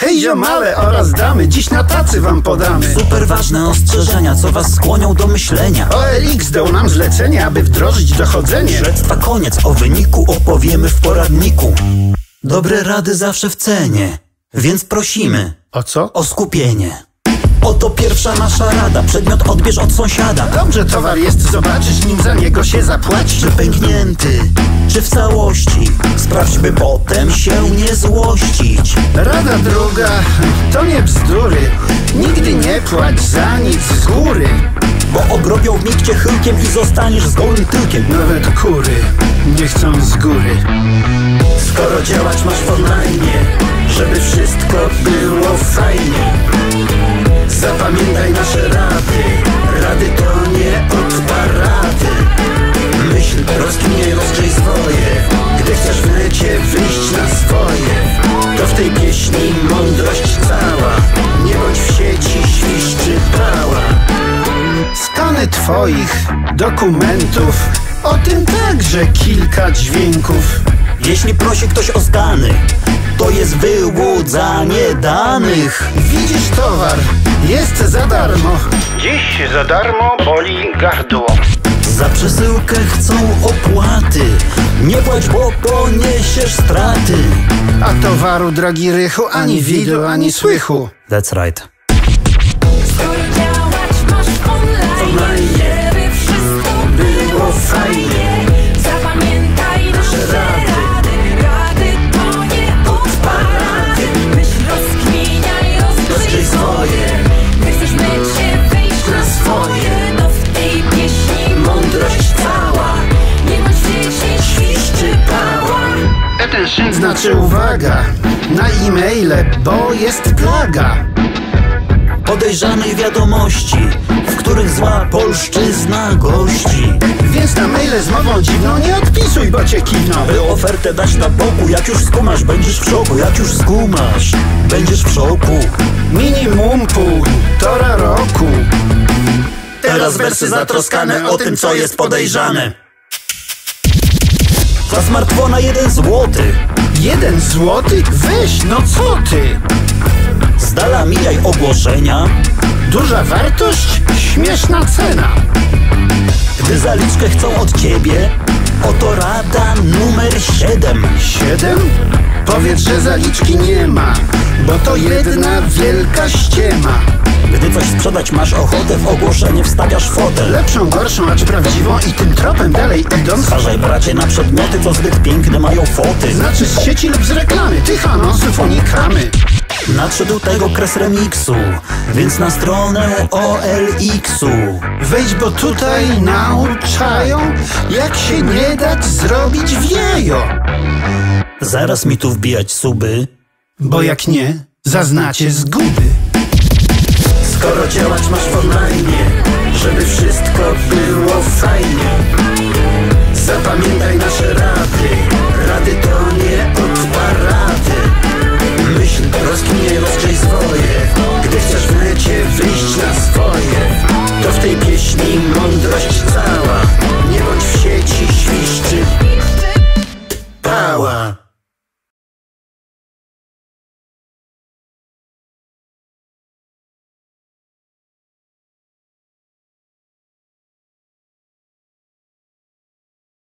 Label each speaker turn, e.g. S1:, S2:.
S1: Hej ziomale oraz damy, dziś na tacy wam podamy
S2: super ważne ostrzeżenia, co was skłonią do myślenia.
S1: OLX dał nam zlecenie, aby wdrożyć dochodzenie.
S2: Śledztwa koniec, o wyniku opowiemy w poradniku. Dobre rady zawsze w cenie, więc prosimy
S1: O co?
S2: o skupienie. Oto pierwsza nasza rada, przedmiot odbierz od sąsiada.
S1: Dobrze towar jest zobaczyć, nim za niego się zapłaci.
S2: Czy pęknięty, czy w całości, sprawdź, by potem się nie złościć.
S1: Rada druga, to nie bzdury, nigdy nie płać za nic z góry,
S2: Bo obrobią w mig cię chyłkiem i zostaniesz z gołym tyłkiem.
S1: nawet kury nie chcą z góry.
S2: Skoro działać masz w online, żeby wszystko było fajnie, zapamiętaj nasze rady. Rady to nie od parady. Myśl, rozkminiaj, rozgrzej swoje. Gdy chcesz w necie wyjść na swoje, to w tej pieśni mądrość cała. Nie bądź w sieci świszczy pała.
S1: Skany twoich dokumentów, o tym także kilka dźwięków.
S2: Jeśli prosi ktoś o skany, to jest wyłudzanie danych.
S1: Widzisz towar, jest za darmo. Dziś za darmo boli gardło.
S2: Za przesyłkę chcą opłaty. Nie płać, bo poniesiesz straty.
S1: A towaru, drogi rychu, ani widu, ani słychu.
S2: That's right.
S3: Skoro działać masz w online, żeby wszystko było fajnie, zapamiętaj nasze rady. Rady to nie od parady. Myśl, rozkminiaj, rozgrzej swoje. Gdy chcesz w necie wyjść na swoje, to w tej pieśni mądrość cała. Nie bądź w sieci świszczy pała.
S1: Attention znaczy uwaga na e-maile, bo jest plaga
S2: Podejrzanych wiadomości, w których zła polszczyzna gości.
S1: Więc na maile z mową dziwną nie odpisuj, bo cię kiwną.
S2: By ofertę dać na boku, jak już skumasz, będziesz w szoku. Jak już skumasz, będziesz w szoku.
S1: Minimum półtora roku.
S2: Teraz wersy zatroskane o tym, co jest podejrzane. Za smartfona 1 złoty.
S1: 1 złoty? Weź, no co ty?
S2: Z dala mijaj ogłoszenia.
S1: Duża wartość, śmieszna cena.
S2: Gdy zaliczkę chcą od ciebie, oto rada numer 7.
S1: 7? Powiedz, że zaliczki nie ma, bo to jedna wielka ściema.
S2: Gdy coś sprzedać masz ochotę, w ogłoszenie wstawiasz fotel.
S1: Lepszą, gorszą, acz prawdziwą i tym tropem dalej idąc.
S2: Zważaj, bracie, na przedmioty, co zbyt piękne mają foty.
S1: Znaczy z sieci lub z reklamy, tych anonsów unikamy.
S2: Nadszedł tego kres remiksu, więc na stronę OLX-u.
S1: Wejdź, bo tutaj nauczają, jak się nie dać zrobić wiejo.
S2: Zaraz mi tu wbijać suby,
S1: Bo jak nie, zaznacie zguby.
S2: skoro działać masz w online, żeby wszystko było fajnie, zapamiętaj nasze rady.